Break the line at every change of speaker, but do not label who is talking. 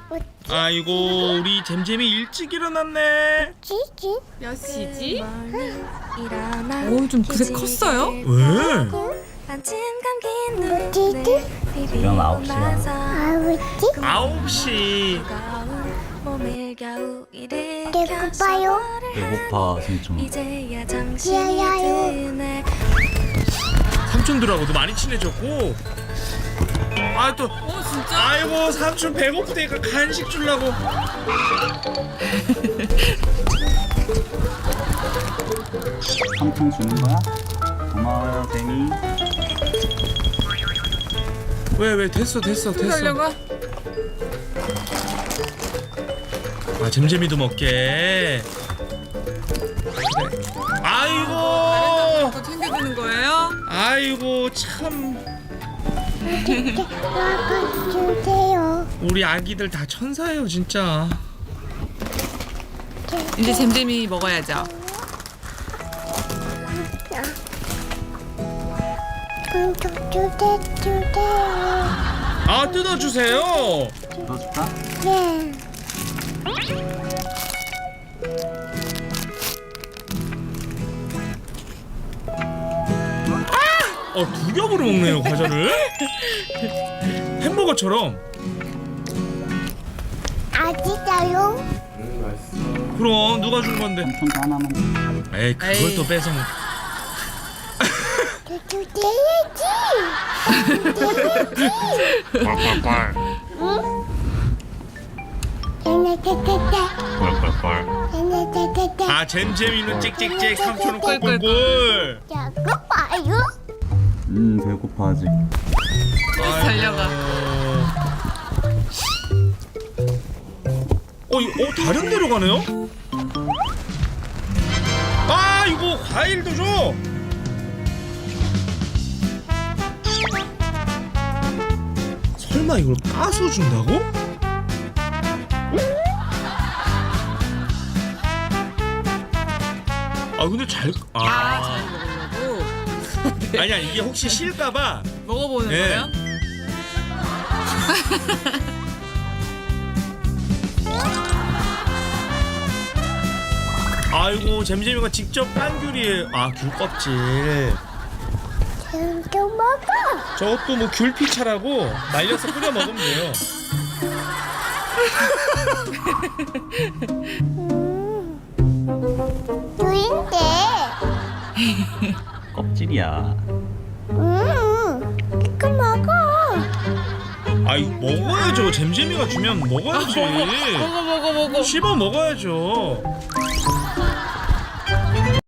아이고 우리 잼잼이 일찍 일어났네.
몇 시지?
좀 그새 컸어요?
왜?
지금 9시야.
9시.
배고파요?
배고파 승충.
지아야요.
삼촌들하고도 많이 친해졌고. 아 또
진짜?
아이고 삼촌 배고프다니까 간식 주려고.
삼촌 주는 거야? 고마워요 잼이.
왜 됐어.
하려고?
아 잼잼이도 먹게. 그래. 아이고
또 챙겨주는 거예요?
아이고 참
아빠 주세요.
우리 아기들 다 천사예요 진짜.
이제 잼잼이 먹어야죠.
주세요.
아 뜯어주세요.
넣어줄까?
네.
두 겹으로 먹네요 과자를. 햄버거처럼.
아직도요?
그럼 누가 준 건데?
삼촌도 하나만.
에이 그걸 또 뺏어 먹.
주세요지. 응?
아 잼잼이는 찍찍찍 삼촌은 꿀꿀꿀.
자꾸 봐요?
배고파 아직.
달려가.
다른 데로 가네요? 아 이거 과일도 줘. 설마 이걸 까서 준다고? 아 근데 잘
잘 먹으려고
아니야 이게 혹시 실까봐.
먹어보는
네.
거예요?
아이고 잼잼이가 직접 깐 귤이에요. 아 귤 껍질.
좀 먹어.
저것도 뭐 귤피차라고 말려서 끓여 먹으면 돼요.
귤인데.
껍질이야.
이거 먹어.
아이 먹어야죠. 잼잼이가 주면 먹어야지.
먹어.
씹어 먹어야죠.